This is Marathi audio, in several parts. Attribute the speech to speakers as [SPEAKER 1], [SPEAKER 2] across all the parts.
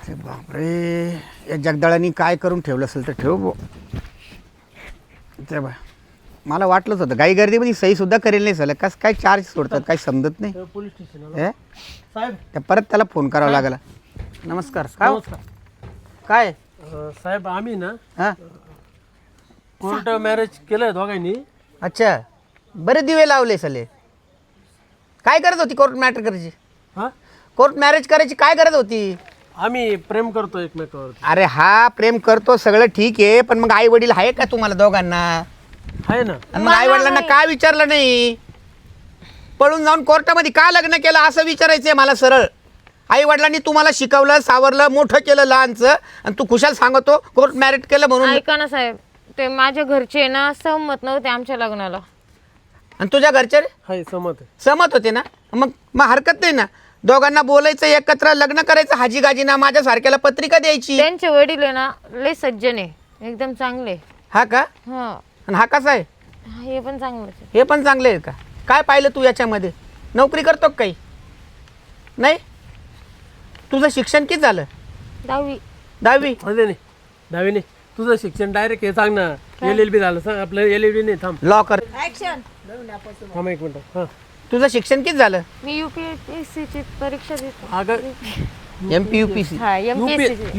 [SPEAKER 1] अरे बापरे, या जगदाळांनी काय करून ठेवलं असेल तर ठेव बो. ते बा मला वाटलंच होतं गाई गर्दीमध्ये सहीसुद्धा करेल नाही झालं. कसं काय चार्ज सोडतात काही समजत नाही.
[SPEAKER 2] पोलीस स्टेशन
[SPEAKER 1] हे
[SPEAKER 2] साहेब.
[SPEAKER 1] त्या परत त्याला फोन करावा लागला. नमस्कार. काय हो? काय
[SPEAKER 2] साहेब आम्ही ना
[SPEAKER 1] हां
[SPEAKER 2] कोर्ट मॅरेज केलंय दोघांनी.
[SPEAKER 1] अच्छा, बरे दिवे लावले सले. काय करत होती कोर्ट मॅटर करायची?
[SPEAKER 2] हा,
[SPEAKER 1] कोर्ट मॅरेज करायची काय गरज होती?
[SPEAKER 2] आम्ही प्रेम करतो एकमेकावर.
[SPEAKER 1] अरे हा प्रेम करतो सगळं ठीक आहे, पण मग आई वडील आहे का तुम्हाला दोघांना?
[SPEAKER 2] आहे ना.
[SPEAKER 1] आणि मग आई वडिलांना का विचारलं नाही? पळून जाऊन कोर्टामध्ये का लग्न केलं असं विचारायचंय मला सरळ. आई वडिलांनी तुम्हाला शिकवलं, सावरलं, मोठं केलं लहानचं, आणि तू खुशाल सांगतो कोर्ट मॅरेज केलं म्हणून.
[SPEAKER 3] ऐका ना साहेब, ते माझ्या घरचे ना सहमत नव्हते आमच्या लग्नाला.
[SPEAKER 1] आणि तुझ्या घरचे
[SPEAKER 2] हाय सहमत आहे.
[SPEAKER 1] सहमत होते ना? मग मग हरकत नाही ना, दोघांना बोलायचं, एकत्र लग्न करायचं, हाजी गाजी ना माझ्या सारख्याला पत्रिका द्यायची.
[SPEAKER 3] त्यांचे वडील आहे ना लय सज्जन आहे, एकदम चांगले.
[SPEAKER 1] हा का?
[SPEAKER 3] हा,
[SPEAKER 1] आणि हा कसा आहे?
[SPEAKER 3] हे पण चांगलंच आहे.
[SPEAKER 1] हे पण चांगले आहे का? काय पाहिलं तू याच्यामध्ये? नोकरी करतो का काही? नाही. तुझं शिक्षण किती झालं?
[SPEAKER 3] 10वी.
[SPEAKER 1] 10वी.
[SPEAKER 2] अरे नाही दहावी नाही, तुझं शिक्षण डायरेक्ट हे सांग ना. LLB झालं सांग. आपलं LLB नाही. थांब
[SPEAKER 1] लॉ कर.
[SPEAKER 2] थांब एक मिनिट. हां
[SPEAKER 1] तुझं शिक्षण किती झालं?
[SPEAKER 3] मी UPSC ची परीक्षा देतो.
[SPEAKER 2] अगं
[SPEAKER 1] MPUPC.
[SPEAKER 3] हा, MPSC.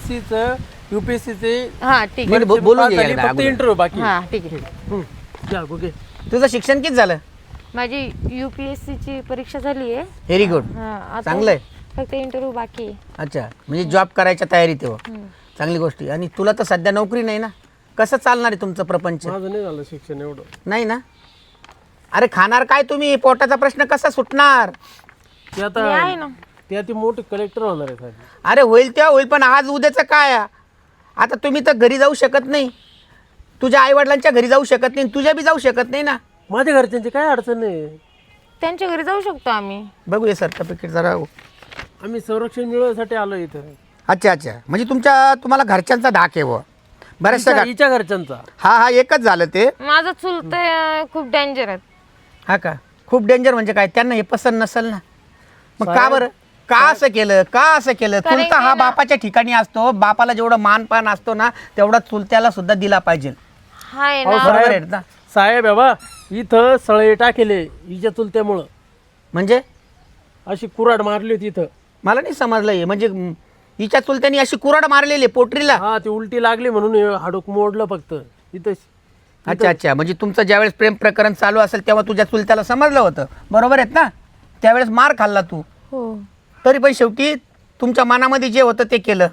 [SPEAKER 2] UPSCचे
[SPEAKER 3] हा ठीक आहे.
[SPEAKER 1] बरं, बोलून घे एकदा
[SPEAKER 2] फक्त
[SPEAKER 1] अगोदर.
[SPEAKER 2] इंटरव्ह्यू बाकी.
[SPEAKER 3] हा ठीक आहे.
[SPEAKER 2] जा गोगे.
[SPEAKER 1] तुझं शिक्षण किती झालं?
[SPEAKER 3] माझी UPSC ची परीक्षा झाली आहे.
[SPEAKER 1] Very good.
[SPEAKER 3] हा, आता
[SPEAKER 1] चांगलं आहे.
[SPEAKER 3] फक्त इंटरव्ह्यू बाकी आहे.
[SPEAKER 1] अच्छा, म्हणजे जॉब करायच्या तयारीत आहे बुवा. चांगली गोष्ट आहे. आणि तुला तर सध्या नोकरी नाही ना, कसं चालणार आहे तुमचं प्रपंच?
[SPEAKER 2] माझं नाही झालं शिक्षण एवढं.
[SPEAKER 1] नाही ना? अरे खाणार काय तुम्ही? पोटाचा प्रश्न कसा सुटणार?
[SPEAKER 2] ते
[SPEAKER 3] मी
[SPEAKER 2] आता
[SPEAKER 3] आहे ना.
[SPEAKER 2] ते आता मोठे कलेक्टर होणार आहे साहेब.
[SPEAKER 1] अरे होईल तेव्हा होईल, पण आज उद्याचं काय? आता तुम्ही तर घरी जाऊ शकत नाही, तुझ्या आईवडिलांच्या घरी जाऊ शकत नाही, तुझ्या बी जाऊ शकत नाही ना.
[SPEAKER 2] माझ्या घरच्यांची काय अडचण नाही.
[SPEAKER 3] त्यांच्या घरी जाऊ शकतो आम्ही.
[SPEAKER 1] बघूया सर्टिफिकेट जरा.
[SPEAKER 2] आम्ही संरक्षण मिळवण्यासाठी आलो इथं.
[SPEAKER 1] अच्छा अच्छा, म्हणजे तुम्हाला घरच्यांचा धाक आहे व बऱ्याचशा
[SPEAKER 2] हिच्या घरच्यांचा.
[SPEAKER 1] हा एकच झालं ते.
[SPEAKER 3] माझं चुलत खूप डेंजर आहे.
[SPEAKER 1] हा का? खूप डेंजर म्हणजे काय? त्यांना हे पसंत नसेल ना? मग का
[SPEAKER 2] साहेब,
[SPEAKER 1] बरं? का असं केलं? का असं केलं?
[SPEAKER 3] कारण
[SPEAKER 1] चुलता हा
[SPEAKER 3] की ना-
[SPEAKER 1] बापाच्या ठिकाणी असतो, बापाला जेवढं मानपान असतो ना तेवढा चुलत्याला सुद्धा दिला पाहिजे.
[SPEAKER 3] हाय
[SPEAKER 2] अहो,
[SPEAKER 3] ना.
[SPEAKER 1] बरोबर आहे ना?
[SPEAKER 2] साहेब बाबा इथं सळे टाकेले हिच्या चुलत्यामुळं.
[SPEAKER 1] म्हणजे
[SPEAKER 2] अशी कुऱ्हाड मारली होती इथं.
[SPEAKER 1] मला नाही समजलं हे. म्हणजे हिच्या चुलत्यानी अशी कुऱ्हाड मारलेली आहे पोटरीला?
[SPEAKER 2] हा, ती उलटी लागली म्हणून हे हाडूक मोडलं फक्त इथं.
[SPEAKER 1] अच्छा अच्छा, म्हणजे तुमचं ज्यावेळेस प्रेम प्रकरण चालू असेल तेव्हा तुझ्या चुलत्याला समजलं होतं, बरोबर आहेत ना? त्यावेळेस मार खाल्ला तू,
[SPEAKER 3] हो,
[SPEAKER 1] तरी पण शेवटी तुमच्या मनामध्ये जे होतं ते केलं,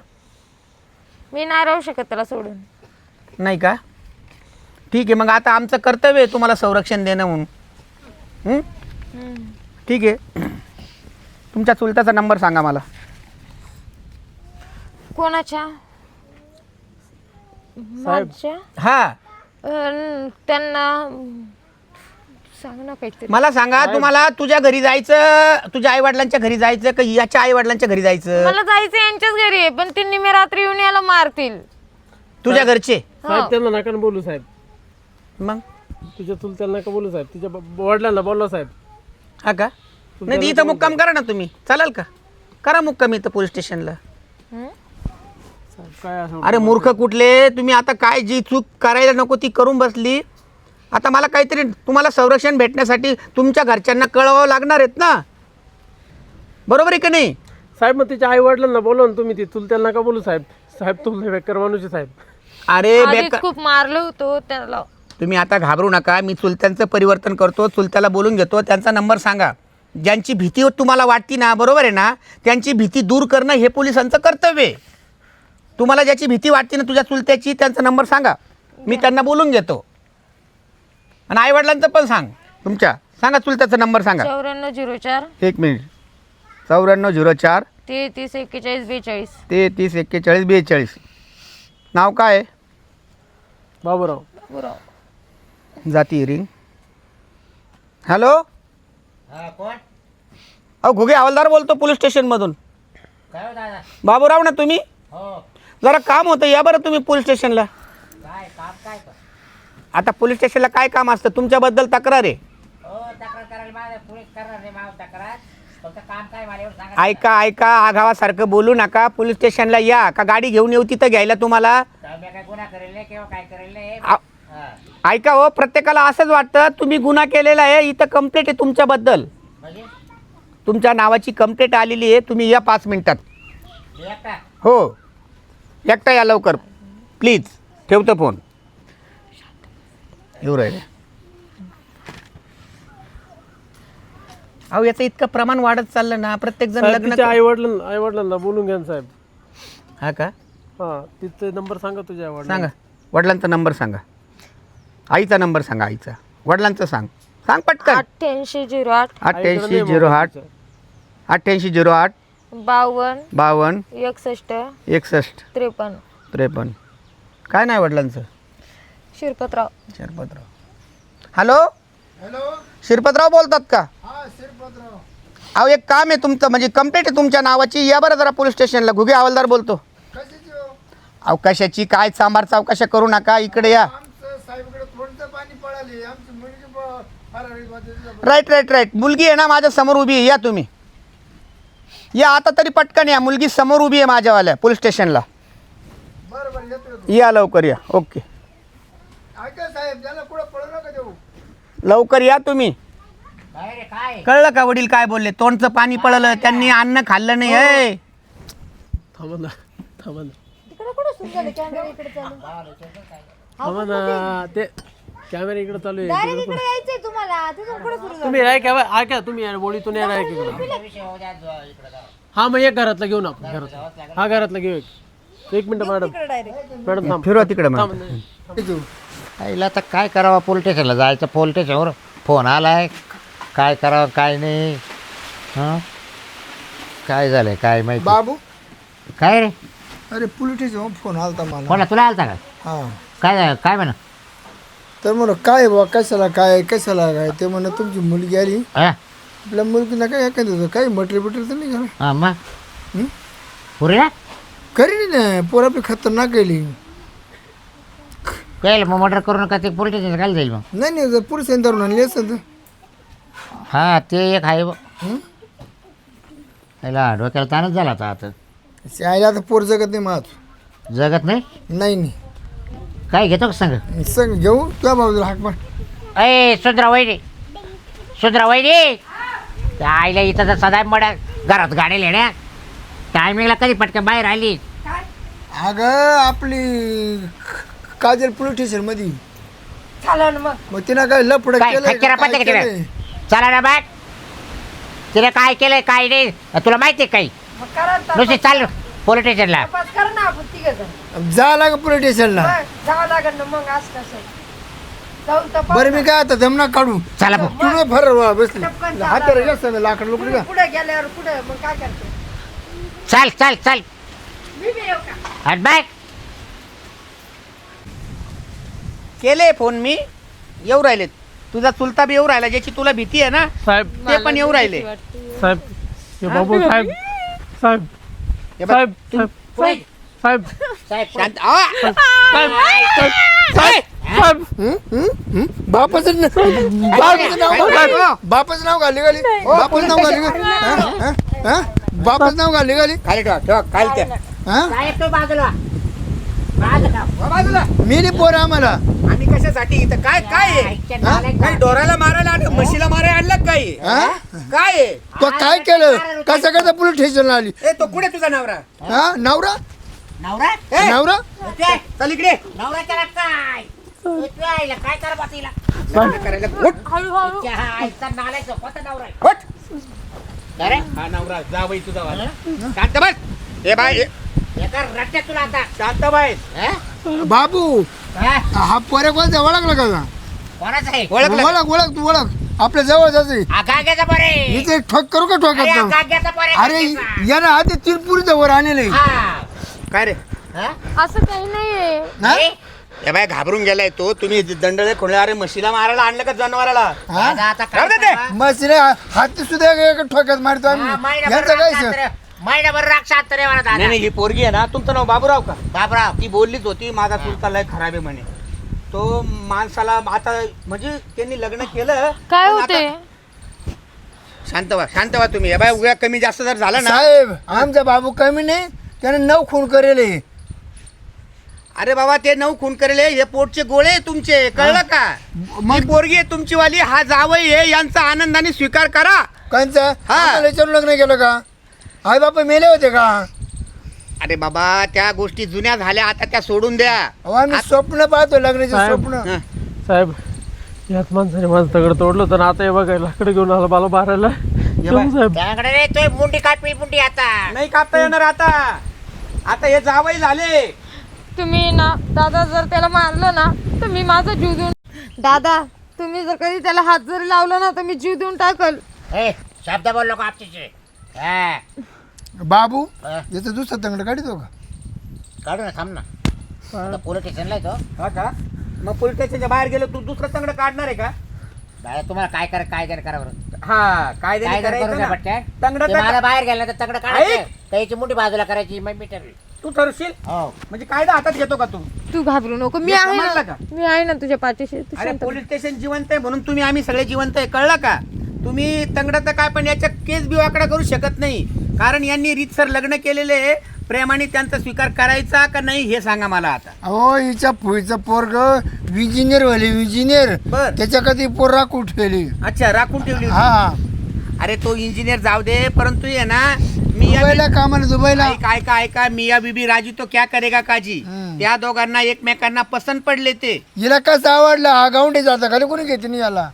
[SPEAKER 3] मी नाही राहू शकत त्याला सोडून.
[SPEAKER 1] नाही का? ठीक आहे, मग आता आमचं कर्तव्य आहे तुम्हाला संरक्षण देणं म्हणून. ठीक आहे, तुमच्या चुलत्याचा नंबर सांगा मला.
[SPEAKER 3] कोणाच्या?
[SPEAKER 2] साहेब.
[SPEAKER 3] माझ्या?
[SPEAKER 1] हा,
[SPEAKER 3] त्यांना सांग ना काहीतरी.
[SPEAKER 1] मला सांगा, तुम्हाला तुझ्या घरी जायचं, तुझ्या आई वडिलांच्या घरी जायचं का याच्या आई वडिलांच्या घरी जायचं?
[SPEAKER 3] मला जायचं यांच्याच घरी आहे, पण त्यांनी मी रात्री येऊन याला मारतील.
[SPEAKER 1] तुझ्या घरचे?
[SPEAKER 2] साहेब त्यांना नका ना बोलू साहेब.
[SPEAKER 1] मग
[SPEAKER 2] तुझ्या चुलत्याला नका बोलू साहेब. तिच्या वडिलांना बोलला साहेब.
[SPEAKER 1] हा का? नाही इथं मुक्काम करा ना तुम्ही, चालेल का? करा मुक्काम इथं पोलीस स्टेशनला.
[SPEAKER 2] साहेब काय असं.
[SPEAKER 1] अरे मूर्ख कुठले तुम्ही! आता काय जी चूक करायला नको ती करून बसली. आता मला काहीतरी तुम्हाला संरक्षण भेटण्यासाठी तुमच्या घरच्यांना कळवावं लागणार आहेत ना, बरोबर आहे की नाही?
[SPEAKER 2] साहेब मग तिच्या आई वडिलांना बोलवा ना तुम्ही. ती चुलत्याला नका बोलू साहेब. साहेब तुमचे बेकार माणूस आहे साहेब.
[SPEAKER 1] अरे
[SPEAKER 3] आधीच
[SPEAKER 1] बेकार,
[SPEAKER 3] खूप मारलं होतं त्याला.
[SPEAKER 1] तुम्ही आता घाबरू नका. मी चुलत्यांचं परिवर्तन करतो, चुलत्याला बोलून घेतो. त्यांचा नंबर सांगा. ज्यांची भीती तुम्हाला वाटती ना, बरोबर आहे ना, त्यांची भीती दूर करणं हे पोलिसांचं कर्तव्य आहे. तुम्हाला ज्याची भीती वाटते ना तुझ्या चुलत्याची, त्यांचा नंबर सांगा, मी त्यांना बोलून घेतो. आणि आईवडिलांचं पण सांग. तुमच्या सांगा, चुलत्याचा नंबर सांगा.
[SPEAKER 3] 9404
[SPEAKER 1] एक मिनिट. 9404
[SPEAKER 3] 33 41 42.
[SPEAKER 1] 33 41 42. नाव काय आहे?
[SPEAKER 2] बाबूराव.
[SPEAKER 3] बरोबर.
[SPEAKER 1] जाती रिंग. हॅलो, अहो घुगे हवालदार बोलतो पोलीस स्टेशनमधून. बाबूराव ना तुम्ही? जरा काम होतं, या बरं तुम्ही पोलीस स्टेशनला. आता पोलीस स्टेशनला काय काम असतं? तुमच्याबद्दल तक्रार आहे. ऐका ऐका आघावासारखं बोलू नका. पोलीस स्टेशनला या का गाडी घेऊन येऊ तिथं घ्यायला तुम्हाला. ऐका हो, प्रत्येकाला असंच वाटतं तुम्ही गुन्हा केलेला आहे. इथं कंप्लेंट आहे तुमच्याबद्दल. तुमच्या नावाची कंप्लेंट आलेली आहे. तुम्ही या 5 मिनिटात. हो एकटा या लवकर प्लीज. ठेवतो फोन. येऊ राहिले. अहो याचं इतकं प्रमाण वाढत चाललं ना. प्रत्येक जण लग्न
[SPEAKER 2] आई वडिलांना बोलून घ्या ना साहेब.
[SPEAKER 1] हा का
[SPEAKER 2] हा तिथे नंबर सांगा तुझ्या आई
[SPEAKER 1] सांगा. वडिलांचा नंबर सांगा. आईचा नंबर सांगा. आईचा. वडिलांचं सांग. सांग पटकन.
[SPEAKER 3] 8808
[SPEAKER 1] 8808 8808
[SPEAKER 3] 52
[SPEAKER 1] 52
[SPEAKER 3] 61
[SPEAKER 1] 61
[SPEAKER 3] 53
[SPEAKER 1] 53. काय नाही वडिलांचं.
[SPEAKER 3] शिरपतराव.
[SPEAKER 1] शिरपतराव. हॅलो शिरपतराव बोलतात का. अहो एक काम आहे तुमचं, म्हणजे कंप्लेंट आहे तुमच्या नावाची. या बरं जरा पोलीस स्टेशनला. घुगे हवालदार बोलतो. अहो कशाची काय सांबार चौकशा करू नका. इकडे या. Right right right. मुलगी आहे ना माझ्या समोर उभी आहे. या तुम्ही या आता तरी पटकन या. मुलगी समोर उभी आहे माझ्यावाल्या पोलीस स्टेशनला. या लवकर या. ओके लवकर या तुम्ही. कळलं का वडील काय बोलले. तोंडचं पाणी पळलं. त्यांनी अन्न खाल्लं नाही. हे
[SPEAKER 2] थांबा ना. ते कॅमेरा इकडे चालू आहे. तुम्ही ऐका तुम्ही बोलीतून या इकडे. हा मग एक घरातला घेऊन आपण घरातला. हा घरातला घेऊ. एक मिनिट मॅडम थांब.
[SPEAKER 1] फिरवा तिकडे मग.
[SPEAKER 4] आईला आता काय करावं. पोलीस स्टेशनला जायचं. पोलीस स्टेशनवर फोन आलाय. काय करावं काय नाही. हां काय झालंय काय माहिती.
[SPEAKER 5] बाबू
[SPEAKER 4] काय रे.
[SPEAKER 5] अरे पोलीस स्टेशन फोन आलता मला.
[SPEAKER 4] कोणा तुला आलता का.
[SPEAKER 5] हां
[SPEAKER 4] काय झालं काय म्हणा.
[SPEAKER 5] तर म्हणून काय बा कशाला काय ते म्हणून तुमची मुलगी आली.
[SPEAKER 4] हां
[SPEAKER 5] आपल्या मुलगीला काय एखादं होतं काही मटेरियल बिटेरियल तर नाही झालं.
[SPEAKER 4] हां मग पुरे ना
[SPEAKER 5] करी नाही पोर आपली खतरनाक गेली.
[SPEAKER 4] काय मग मर्डर करून का ते पोलीस स्टेशन काय जाईल मग.
[SPEAKER 5] नाही जर पोलीस धरून आणली असं तर.
[SPEAKER 4] हां ते एक आहे याला डोक्याला ताणच झाला आता.
[SPEAKER 5] आईला आता पोर जगत नाही माझ.
[SPEAKER 4] जगत नाही.
[SPEAKER 5] नाही
[SPEAKER 4] काय घेतो का सांग.
[SPEAKER 5] सांग घेऊ तुझ्या बाजूला हाक मार.
[SPEAKER 4] अय सुधरा वैरी त्या आईला इथं तर सदा मड्या घरात गाडी येण्या टायमिंगला कधी पटकन बाहेर आली.
[SPEAKER 5] अगं आपली काजल पोलीस स्टेशन मध्ये. मग तिनं काय लपड
[SPEAKER 4] काय खच्चरा पत्ते का तिला. चला ना बाग. तिने काय केलंय काय नाही तुला माहिती आहे काही. नुसती चाल पोलीस स्टेशनला.
[SPEAKER 5] जा लाग पोलीस स्टेशनला. बरं मी काय आता जमना काढू.
[SPEAKER 4] चला भाऊ.
[SPEAKER 5] तू फर बसली हाताला जास्त लाकड लोकड का.
[SPEAKER 4] चल हट बाग.
[SPEAKER 1] केले फोन मी. येऊ राहिलेत. तुझा चुलता बी येऊ राहिला. ज्याची तुला भीती आहे ना
[SPEAKER 2] साहेब
[SPEAKER 1] ते पण येऊ राहिले.
[SPEAKER 2] साहेब हे बाबू साहेब साहेब
[SPEAKER 1] हे बघ,
[SPEAKER 2] साहेब साहेब साहेब
[SPEAKER 4] साहेब
[SPEAKER 1] शांत. आ!
[SPEAKER 5] बापाचं बापाचं नाव घाली बापाचं नाव घाली बापाचं नाव घाली
[SPEAKER 1] खाली ठेवा खाली त्या.
[SPEAKER 4] साहेब तो बाजूला
[SPEAKER 1] बाजूला.
[SPEAKER 5] मी नाही पोर आम्हाला.
[SPEAKER 1] आम्ही कशासाठी इथं काय काय आहे. काही डोराला मारायला आणलं म्हशीला मारायला आणलं काय काय आहे.
[SPEAKER 5] तो काय केलं कसं पोलीस स्टेशनला आली.
[SPEAKER 1] ए तो कुठे तुझा नवरा.
[SPEAKER 5] हा नवरा
[SPEAKER 4] नवरा
[SPEAKER 1] ए,
[SPEAKER 5] नवरा
[SPEAKER 1] चल इकडे.
[SPEAKER 4] नवऱ्याच्या काय काय करा बातीला.
[SPEAKER 1] करायला उठ.
[SPEAKER 4] नालायचं कोणता नवरा आहे.
[SPEAKER 1] उठ.
[SPEAKER 4] अरे
[SPEAKER 1] हा नवरा जा बाई तुझा वाला. शांत बस. ए बाय
[SPEAKER 4] एका रट्ट्यात तुला आता.
[SPEAKER 1] शांत बाय.
[SPEAKER 5] बाबू
[SPEAKER 4] हा?
[SPEAKER 5] हा पोरे कोणता ओळखला का
[SPEAKER 4] कोणाचं आहे.
[SPEAKER 1] ओळखलं.
[SPEAKER 5] ओळख तू ओळख आपल्या जवळ जायचं.
[SPEAKER 4] हा गाग्याचा बरे.
[SPEAKER 5] इथे ठोक करू का
[SPEAKER 4] अरे हा
[SPEAKER 5] ठोकात
[SPEAKER 4] गाग्याचा बरे.
[SPEAKER 5] अरे यानं आधी 3 पुरीचं वर आणले.
[SPEAKER 4] हा.
[SPEAKER 1] काय रे.
[SPEAKER 4] हा?
[SPEAKER 3] असं काही नाहीये.
[SPEAKER 4] नाही?
[SPEAKER 1] ए बाय घाबरून गेलाय तो. तुम्ही दंडळे खोले. अरे म्हशीला मारायला आणलं का जनावराला.
[SPEAKER 4] आता काय
[SPEAKER 1] राहू दे ते.
[SPEAKER 4] करावं?
[SPEAKER 5] मग हाती सुद्धा एक ठोक्यात मारतो
[SPEAKER 4] हा,
[SPEAKER 5] आम्ही.
[SPEAKER 4] महिनाभर
[SPEAKER 5] यांचं काय
[SPEAKER 4] राग शांत- महिनाभर राग शांत रे मला दादा.
[SPEAKER 1] नाही नाही ही पोरगी आहे ना. तुमचं नाव बाबूराव का.
[SPEAKER 4] बाबराव
[SPEAKER 1] ती बोललीच होती माझा चुलता लय खराब आहे म्हणे. तो माणसाला आता म्हणजे त्यांनी लग्न केलं.
[SPEAKER 3] काय
[SPEAKER 1] पण
[SPEAKER 3] होते.
[SPEAKER 1] आता शांत व्हा तुम्ही. हे बाय उद्या कमी जास्त जर झालं ना.
[SPEAKER 5] साहेब आमचा बाबू कमी नाही, त्याने 9 खून करेले.
[SPEAKER 1] अरे बाबा ते 9 खून करेले, हे पोटचे गोळे आहे तुमचे, कळलं का? मग पोरगी आहे तुमची वाली, हा जावई आहे, यांचा आनंदाने स्वीकार करा.
[SPEAKER 5] कांचा
[SPEAKER 1] हा.
[SPEAKER 5] आम्हाला विचारून लग्न केलं का? आई बापा मेले होते का?
[SPEAKER 1] अरे बाबा त्या गोष्टी जुन्या झाल्या, आता त्या सोडून द्या.
[SPEAKER 5] अहो, आम्ही स्वप्न पाहतो लग्नाचे
[SPEAKER 2] साहेब.
[SPEAKER 5] स्वप्न.
[SPEAKER 1] हं.
[SPEAKER 2] साहेब याच माणसाने माझं तगड तोडलं होतं ना, आता हे बघा लाकडं घेऊन आला मला मारायला.
[SPEAKER 1] बाय.
[SPEAKER 2] साहेब
[SPEAKER 4] त्याकडे रे तो मुंडी कापी मुंडी आता.
[SPEAKER 1] नाही कापता येणार आता हे जावई झाले.
[SPEAKER 3] तुम्ही ना दादा जर त्याला मारलं ना तर मी माझा जीव देऊन, दादा तुम्ही जर कधी त्याला हात जरी लावला ना तर मी जीव देऊन टाकल.
[SPEAKER 4] ए शब्द बोल नको आपचे. हा
[SPEAKER 5] बाबू
[SPEAKER 4] हा.
[SPEAKER 5] याचं दुसरं तंगड काढतो का?
[SPEAKER 4] काढू ना, थांब ना. आता पोलीस स्टेशनला येतो.
[SPEAKER 1] हा का? मग पोलीस स्टेशनच्या बाहेर गेलो, तू दुसरं तंगड काढणार आहे का?
[SPEAKER 4] बाहेर तुम्हाला काय करा बरं.
[SPEAKER 1] हा काय
[SPEAKER 4] काय करू द्या पटकन.
[SPEAKER 1] तंगड
[SPEAKER 4] ते मला बाहेर गेलं तर तंगड काढायचं,
[SPEAKER 1] ऐक.
[SPEAKER 4] त्याची मुंडी बाजूला करायची, मग मी ठरवी.
[SPEAKER 1] तू ठरशील
[SPEAKER 4] हो
[SPEAKER 1] म्हणजे कायदा हातात घेतो का तू?
[SPEAKER 3] तू घाबरू नको, मी
[SPEAKER 1] हे
[SPEAKER 3] आहे
[SPEAKER 1] समजलं
[SPEAKER 3] ना,
[SPEAKER 1] का?
[SPEAKER 3] मी आहे ना तुझ्या पाठीशी. तू
[SPEAKER 1] अरे
[SPEAKER 3] शांत बस.
[SPEAKER 1] पोलीस स्टेशन जिवंत आहे म्हणून तुम्ही आम्ही सगळे जिवंत आहे, कळलं का? तुम्ही तंगडाचं काय पण याच्या केस बी वाकडा करू शकत नाही, कारण यांनी रीतसर लग्न केलेले आहे. प्रेमाने त्यांचा स्वीकार करायचा का नाही हे सांगा मला आता.
[SPEAKER 5] अहो हिच्या पुढचं पोरग विजिनियर व्हायले, विजिनियर.
[SPEAKER 1] बर.
[SPEAKER 5] त्याच्या कधी पोर राखून ठेवली.
[SPEAKER 1] अच्छा राखून ठेवली होती.
[SPEAKER 5] हा
[SPEAKER 1] अरे तो इंजिनियर जाऊ दे, परंतु ये ना मिया
[SPEAKER 5] दुबईला कामाला दुबईला.
[SPEAKER 1] ऐका मिया बीबी राजू तो क्या करेगा काजी.
[SPEAKER 5] हम्म.
[SPEAKER 1] त्या दोघांना एकमेकांना पसंत पडले ते.
[SPEAKER 5] हिला कसं आवडलं, हा गावंडी जाता खाली कोणी घेते नाही याला.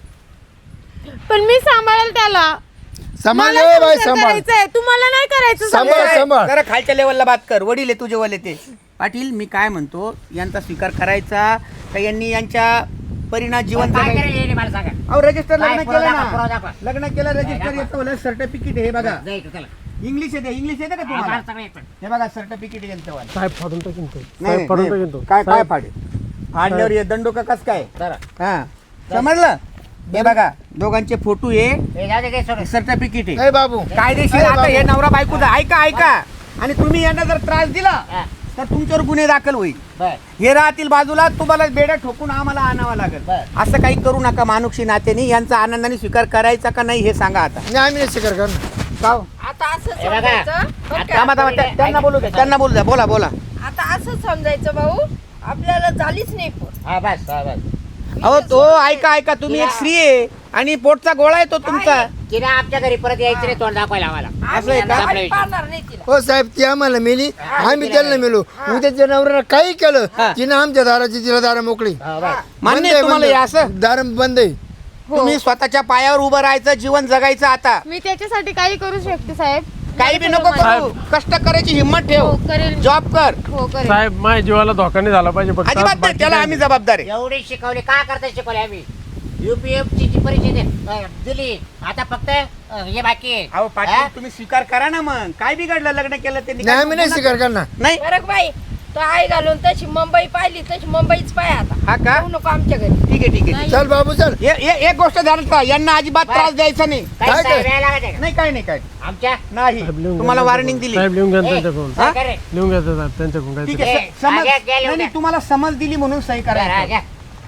[SPEAKER 3] पण मी सांभाळेल त्याला.
[SPEAKER 5] सांभाळ
[SPEAKER 3] मला
[SPEAKER 5] रे बाई,
[SPEAKER 3] संसार
[SPEAKER 5] सांभाळ.
[SPEAKER 3] करायचाय, तुम्हाला नाही करायचं.
[SPEAKER 5] सांभाळ.
[SPEAKER 1] ए,
[SPEAKER 5] सांभाळ.
[SPEAKER 1] जरा खालच्या लेवलला बात कर, वडील आहे तुझे वाले ते. पाटील मी काय म्हणतो, यांचा स्वीकार करायचा का यांनी यांच्या परिणाम जीवन
[SPEAKER 4] काय
[SPEAKER 1] जगायचं?
[SPEAKER 4] करेल हे मला सांगा.
[SPEAKER 1] अहो रजिस्टर
[SPEAKER 4] काय
[SPEAKER 1] लग्न
[SPEAKER 4] पुरावा
[SPEAKER 1] केलं
[SPEAKER 4] दाखवा, पुरावा
[SPEAKER 1] ना,
[SPEAKER 4] दाखवा.
[SPEAKER 1] लग्न केलं रजिस्टर
[SPEAKER 4] दाखवा.
[SPEAKER 1] येतं मला सर्टिफिकेट हे बघा.
[SPEAKER 4] जायचं त्याला.
[SPEAKER 1] इंग्लिश येते का तुम्हाला?
[SPEAKER 4] मला सगळं येतं.
[SPEAKER 1] हे बघा सर्टिफिकेट यांचं वालं.
[SPEAKER 2] साहेब फाडून टाकीन तो.
[SPEAKER 1] नाही,
[SPEAKER 2] साहेब फाडून टाकीन तो.
[SPEAKER 1] नाही. काय
[SPEAKER 2] साहेब,
[SPEAKER 1] फाडे फाडल्यावर हे दंडो का कस काय?
[SPEAKER 4] चला.
[SPEAKER 1] हा समजलं. हे बघा दोघांचे फोटो आहे,
[SPEAKER 4] हे जाऊ दे, ते सोडून.
[SPEAKER 1] सर्टिफिकेट आहे.
[SPEAKER 5] ए बाबू
[SPEAKER 1] कायदेशीर
[SPEAKER 5] ए
[SPEAKER 1] आता
[SPEAKER 5] बाबू.
[SPEAKER 1] हे नवरा बायकोचा. ऐका आणि तुम्ही यांना जर त्रास दिला
[SPEAKER 4] हा,
[SPEAKER 1] तर तुमच्यावर गुन्हे दाखल होईल.
[SPEAKER 4] बर.
[SPEAKER 1] हे राहतील बाजूला, तुम्हाला बेड्या ठोकून आम्हाला आणावं लागेल.
[SPEAKER 4] बरं.
[SPEAKER 1] असं काही करू नका. मानुक्षी नात्याने यांचा आनंदाने स्वीकार करायचा का नाही हे सांगा आता.
[SPEAKER 5] नाही आम्ही नाही स्वीकार करणार.
[SPEAKER 1] का हो?
[SPEAKER 6] आता असं
[SPEAKER 4] हे बघा.
[SPEAKER 6] समजायचं बरं का?
[SPEAKER 1] थांबा, त्यांना बोलू द्या बोला.
[SPEAKER 6] आता असं समजायचं भाऊ, आपल्याला झालीच नाही पोर.
[SPEAKER 4] हा बस, हा बस.
[SPEAKER 1] अहो तो ऐका तुम्ही एक स्त्री आहे आणि पोटचा गोळा आहे तो तुमचा.
[SPEAKER 4] तिने आमच्या घरी परत यायचं नाही, तोंड दाखवायला आम्हाला.
[SPEAKER 1] असं आहे का?
[SPEAKER 4] आपला
[SPEAKER 6] आम्ही
[SPEAKER 4] विषय.
[SPEAKER 6] पाहणार नाही तिला.
[SPEAKER 5] हो साहेब ती आम्हाला मेली, आम्ही त्यांना मेलो. उद्याच्या नवऱ्यानं काही केलं
[SPEAKER 1] हा.
[SPEAKER 5] तिने आमच्या दाराची तिला दारा मोकळी.
[SPEAKER 4] हा, बस.
[SPEAKER 1] मान्य
[SPEAKER 5] बंद
[SPEAKER 1] आहे
[SPEAKER 5] आहे,
[SPEAKER 1] तुम्हाला
[SPEAKER 5] बंद
[SPEAKER 1] हे
[SPEAKER 5] आहे.
[SPEAKER 1] असं?
[SPEAKER 5] दार बंद आहे.
[SPEAKER 1] तुम्ही स्वतःच्या पायावर उभं राहायचं, जीवन जगायचं आता.
[SPEAKER 3] मी त्याच्यासाठी काही करू शकते साहेब.
[SPEAKER 1] काही बी नको करू, कष्ट करायची हिंमत
[SPEAKER 3] हो
[SPEAKER 1] ठेव,
[SPEAKER 3] करेल.
[SPEAKER 1] जॉब कर.
[SPEAKER 3] हो करेल.
[SPEAKER 2] साहेब माझ्या जीवाला धोका नाही झाला पाहिजे फक्त.
[SPEAKER 1] अजिबात नाही,
[SPEAKER 2] बाकी
[SPEAKER 1] त्याला
[SPEAKER 2] काही
[SPEAKER 1] आम्ही जबाबदार आहे.
[SPEAKER 4] एवढी शिकवली का करता शिकवली आम्ही. UPMC ची परीक्षा दिली, आता फक्त हे बाकी आहे.
[SPEAKER 1] अहो
[SPEAKER 4] हा?
[SPEAKER 1] पाटील तुम्ही स्वीकार करा ना. मग काय बिघडलं लग्न केलं ते?
[SPEAKER 5] नाही आम्ही नाही स्वीकार करणार.
[SPEAKER 1] नाही
[SPEAKER 6] बरं का बाई, तो आई घालून तशी मुंबई पाहिली, तशी मुंबईच पाय आता.
[SPEAKER 1] हा का?
[SPEAKER 6] येऊ नको आमच्या घरी.
[SPEAKER 1] ठीक आहे.
[SPEAKER 5] चल बाबू चल.
[SPEAKER 1] एक गोष्ट ध्यानात ठेवा, यांना अजिबात
[SPEAKER 4] बाय.
[SPEAKER 1] त्रास द्यायचा नाही.
[SPEAKER 4] काही
[SPEAKER 5] काय
[SPEAKER 4] साहेब
[SPEAKER 5] काय?
[SPEAKER 4] यायला लागायचं का?
[SPEAKER 1] नाही काय नाही
[SPEAKER 4] आमच्या
[SPEAKER 1] नाही.
[SPEAKER 2] साहेब लिहून
[SPEAKER 1] तुम्हाला
[SPEAKER 2] घ्या
[SPEAKER 1] वॉर्निंग दिली.
[SPEAKER 2] साहेब लिहून घ्या
[SPEAKER 4] ए,
[SPEAKER 2] त्यांच्याकडून.
[SPEAKER 1] हा?
[SPEAKER 4] काय रे?
[SPEAKER 2] लिहून घ्या साहेब त्यांच्याकडून
[SPEAKER 1] ठीक
[SPEAKER 2] काय.
[SPEAKER 1] आहे
[SPEAKER 4] ए,
[SPEAKER 1] समज
[SPEAKER 4] घ्या, घ्या, लिहून
[SPEAKER 1] नाही,
[SPEAKER 4] द्या.
[SPEAKER 1] तुम्हाला समज दिली म्हणून सही
[SPEAKER 4] हा,
[SPEAKER 1] करायचं.
[SPEAKER 4] घ्या.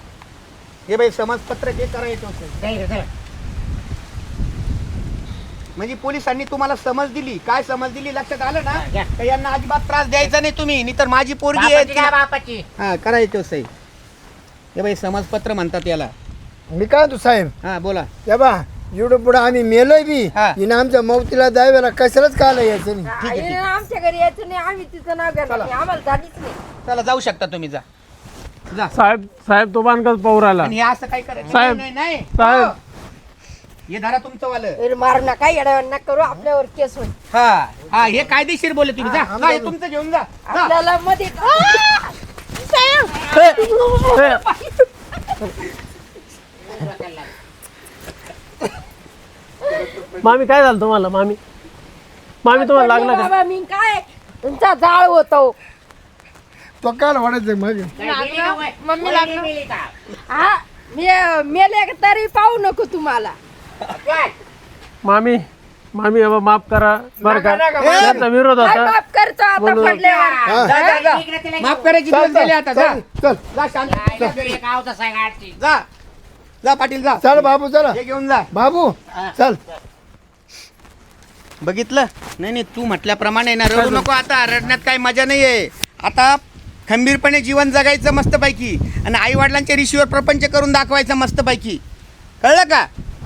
[SPEAKER 1] हे बाई समजपत्र जे करायचं होतं.
[SPEAKER 4] जाईल, जाईल.
[SPEAKER 1] म्हणजे पोलिसांनी तुम्हाला समज दिली. काय समज दिली लक्षात आलं ना?
[SPEAKER 4] घ्या.
[SPEAKER 1] तर यांना अजिबात त्रास द्यायचा नाही तुम्ही, नाही तर माझी पोरगी आहे
[SPEAKER 4] बापाची
[SPEAKER 1] ती-
[SPEAKER 4] घ्या, बापाची.
[SPEAKER 1] हा करायचं सही. हे बाई समजपत्र म्हणतात याला.
[SPEAKER 5] मी काय तू साहेब
[SPEAKER 1] हा बोला.
[SPEAKER 5] या बा एवढं पुढे आम्ही मेलोय बी.
[SPEAKER 1] हा.
[SPEAKER 5] हिनं आमच्या मौतीला द्यावेला कशालाच काला यायचं नाही.
[SPEAKER 6] आईने आमच्या घरी यायचं नाही, आम्ही तिचं नाव घेणार नाही. आम्हाला झालीच नाही.
[SPEAKER 1] चला जाऊ शकता तुम्ही, जा.
[SPEAKER 2] साहेब तो बांधकाच पाहू राहिला.
[SPEAKER 1] आणि हे असं काय करायचं
[SPEAKER 2] साहेब.
[SPEAKER 1] नाही.
[SPEAKER 2] साहेब.
[SPEAKER 1] हो. हे धरा तुमचं वालं.
[SPEAKER 6] अरे मारू नका, येड्यावर नका करू, आपल्यावर केस होईल.
[SPEAKER 1] हा हे कायदेशीर बोले तुम्ही. जा हे तुमचं घेऊन जा.
[SPEAKER 6] आपल्याला मध्ये
[SPEAKER 2] मामी काय झालं तुम्हाला? मामी तुम्हाला लागलं का?
[SPEAKER 6] बाबा, मी काय तुमचा जाळ होतो.
[SPEAKER 5] तो काल वाढायचं माझे.
[SPEAKER 4] काय गेली का वय?
[SPEAKER 3] मम्मी
[SPEAKER 4] वय
[SPEAKER 3] लागलं.
[SPEAKER 4] गेली का?
[SPEAKER 6] हा मेले तरी पाहू नको तुम्हाला.
[SPEAKER 4] काय?
[SPEAKER 2] मामी बाबा माफ करा बरं का.
[SPEAKER 5] नका,
[SPEAKER 2] त्यांचा विरोध
[SPEAKER 6] काय
[SPEAKER 2] होता.
[SPEAKER 6] बाप करतो आता
[SPEAKER 2] बोलू.
[SPEAKER 6] पडल्यावर.
[SPEAKER 5] हा.
[SPEAKER 1] जा.
[SPEAKER 4] इकडे तिला
[SPEAKER 1] माफ करायची दिवस झाले आता. जा
[SPEAKER 5] चल
[SPEAKER 1] जा शांत.
[SPEAKER 4] जायला घरी एक आवता साहेब आजची.
[SPEAKER 1] जा पाटील जा.
[SPEAKER 5] चल बाबू चला.
[SPEAKER 1] हे घेऊन जा.
[SPEAKER 5] बाबू
[SPEAKER 4] हा.
[SPEAKER 5] चल.
[SPEAKER 1] बघितलं नाही नाही तू म्हटल्याप्रमाणे ना रडू नको आता रडण्यात काही मजा नाही आहे आता खंबीरपणे जीवन जगायचं मस्तपैकी आणि आई वडिलांच्या ऋषीवर प्रपंच करून दाखवायचं मस्तपैकी कळलं का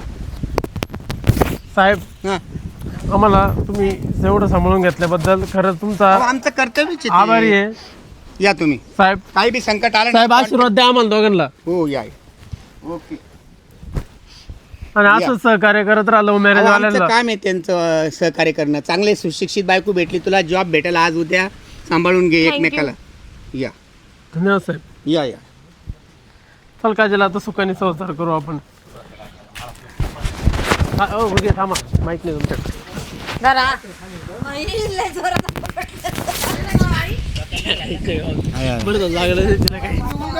[SPEAKER 2] साहेब
[SPEAKER 1] हां
[SPEAKER 2] आम्हाला तुम्ही एवढं सांभाळून घेतल्याबद्दल खरंच तुमचा
[SPEAKER 1] आमचं कर्तव्यच आहे ते.
[SPEAKER 2] आभारी आहे
[SPEAKER 1] या तुम्ही
[SPEAKER 2] साहेब.
[SPEAKER 1] काही बी संकट आलं
[SPEAKER 2] साहेब
[SPEAKER 1] ना,
[SPEAKER 2] आशीर्वाद द्या आम्हाला दोघांना
[SPEAKER 1] हो या ओके
[SPEAKER 2] आणि असंच सहकार्य करत राहा लव्ह मॅरेज
[SPEAKER 1] अहो, आमचं
[SPEAKER 2] वाल्यांना.
[SPEAKER 1] काम आहे त्यांचं सहकार्य करणं चांगले सुशिक्षित बायको भेटली तुला जॉब भेटेल आज उद्या सांभाळून घे एकमेकाला या
[SPEAKER 2] धन्यवाद साहेब.
[SPEAKER 1] या
[SPEAKER 2] चल काजल आता सुखाने संसार करू आपण. घे थांबा माहित नाही तुमच्याकडे. बरं झालं, लागलं नाही तिला काही.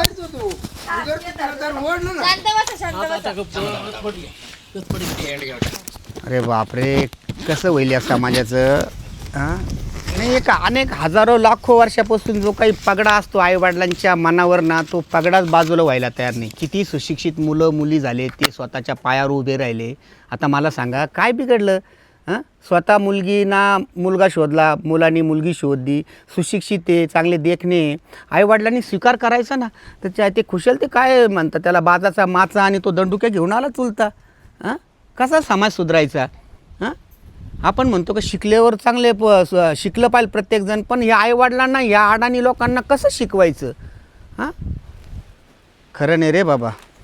[SPEAKER 1] अरे बापरे कसं होईल या समाजाचं हां नाही एक अनेक हजारो लाखो वर्षापासून जो काही पगडा असतो आईवडिलांच्या मनावर ना तो पगडाच बाजूला व्हायला तयार नाही किती सुशिक्षित मुलं मुली झाले ते स्वतःच्या पायावर उभे राहिले आता मला सांगा काय बिघडलं हां स्वतः मुलगी ना मुलगा शोधला मुलांनी मुलगी शोधली सुशिक्षित आहे चांगले देखणे आईवडिलांनी स्वीकार करायचा ना तर ते खुशाल ते काय म्हणतात त्याला बाजाचा माचा आणि तो दंडुक्या घेऊन आला चुलता हां कसा समाज सुधारायचा हां आपण म्हणतो का शिकल्यावर चांगले शिकलं पाहिजे प्रत्येकजण पण या आईवडिलांना या अडाणी लोकांना कसं शिकवायचं हां खरं नाही रे बाबा